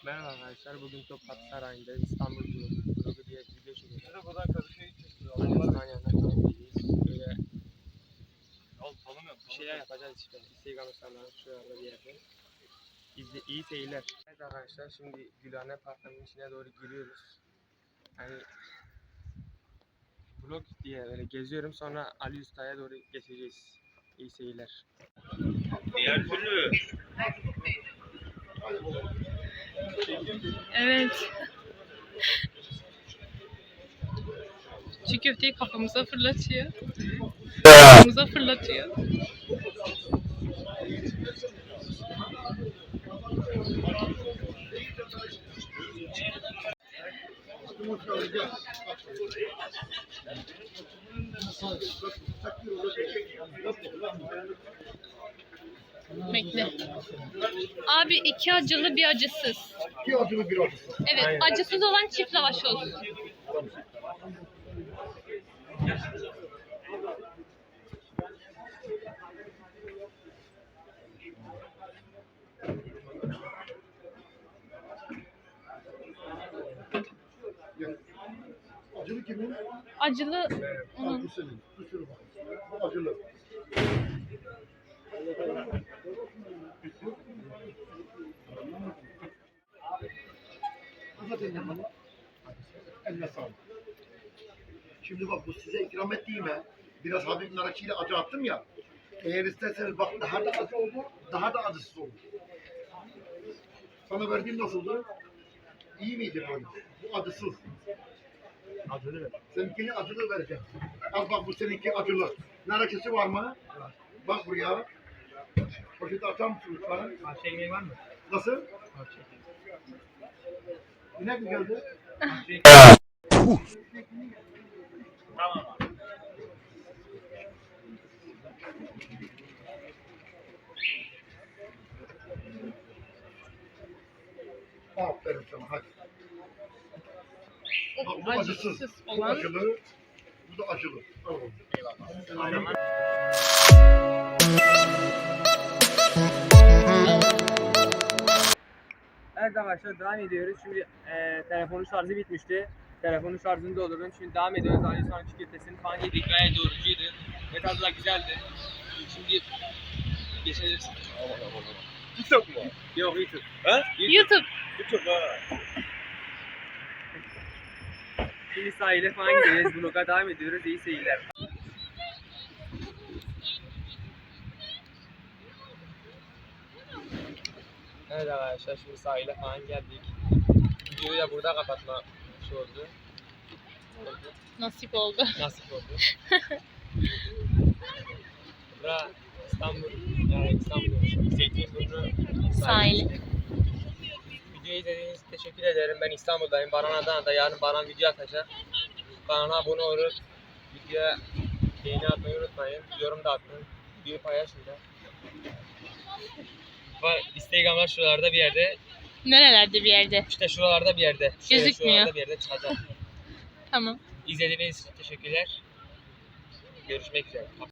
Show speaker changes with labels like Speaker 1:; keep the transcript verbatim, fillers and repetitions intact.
Speaker 1: Merhaba arkadaşlar, bugün Topkapı Sarayı'nda İstanbul Vlogu diye bir video çekiyoruz.
Speaker 2: Buradan Kadıköy'e gideceğiz.
Speaker 1: Annemizden yanına falan gideceğiz. Böyle
Speaker 2: Al tanımıyorum.
Speaker 1: bir şeyler yapacağız işte. Instagram hesaplarım şuralarda bir yerde. İzle, iyi seyirler. Evet arkadaşlar, şimdi Gülhane Parkı'nın içine doğru giriyoruz. Yani vlog diye böyle geziyorum, sonra Ali Usta'ya doğru geçeceğiz. İyi seyirler.
Speaker 2: Diğer türlü.
Speaker 3: Evet. Çiğ köfteyi kafamıza fırlatıyor. Kafamıza fırlatıyor. Bekle. Abi iki acılı bir acısız.
Speaker 4: İki acılı bir acısız.
Speaker 3: Evet,
Speaker 1: Aynen.
Speaker 3: acısız olan çift lavaş olsun.
Speaker 4: Acılı kimin?
Speaker 3: Acılı
Speaker 4: Bu senin. Bu sürü bak. Bu acılı. Zaten yanına. Eline sağlık. Şimdi bak bu size ikram ettiğime biraz hafif narakçıyla acı attım ya. Eğer isterseniz bak daha da acı oldu, daha da acısız olur. Sana verdiğim nasıldı? İyi miydi böyle? Bu acısız.
Speaker 1: Acılı mı?
Speaker 4: Seninkini acılı vereceğim. Al bak bu seninki acılı. Narakçısı var mı? Bak buraya. Poşeti açar mısın lütfen?
Speaker 1: Parça ekmeği var mı?
Speaker 4: Nasıl?
Speaker 1: Parça ekmeği.
Speaker 4: İnek mi geldi?
Speaker 2: Tamam.
Speaker 4: Aferin sana hadi. Bak bu acısız.
Speaker 3: acısız
Speaker 4: Bu
Speaker 3: olan
Speaker 4: acılı. Bu da acılı. Al oğlum.
Speaker 1: Aynen. Evet arkadaşlar, devam ediyoruz. Şimdi e, telefonun şarjı bitmişti. Telefonun şarjını doldurdum. Şimdi devam ediyoruz. Ali Usta'nın çiğ köftesini falan yedik. Gayet doyurucuydu. Ve tadı da güzeldi. Şimdi geçebiliriz.
Speaker 2: TikTok mu?
Speaker 1: Yok, YouTube.
Speaker 2: Ha?
Speaker 3: YouTube.
Speaker 2: TikTok ha.
Speaker 1: Şimdi sahile falan gideceğiz. Vlog'a devam ediyoruz. İyi seyirler. Evet arkadaşlar, şimdi sahile falan geldik. Videoyu da burada kapatma şey oldu.
Speaker 3: Nasip oldu.
Speaker 1: Nasip oldu. Bura İstanbul, yani İstanbul, Zeytinburnu
Speaker 3: Sahil.
Speaker 1: Videoyu izlediğiniz için teşekkür ederim. Ben İstanbul'dayım. Baran Adana'da. Yarın Baran video atacak. Kanala abone olup videoya beğeni atmayı unutmayın. Yorum da atın. Videoyu paylaşın da. Var, Instagram'lar şuralarda bir yerde.
Speaker 3: Nerelerde bir yerde.
Speaker 1: İşte şuralarda bir yerde. Şöyle
Speaker 3: Gözükmüyor.
Speaker 1: Şuralarda bir yerde çıkacak.
Speaker 3: Tamam.
Speaker 1: İzlediğiniz için teşekkürler. Görüşmek üzere.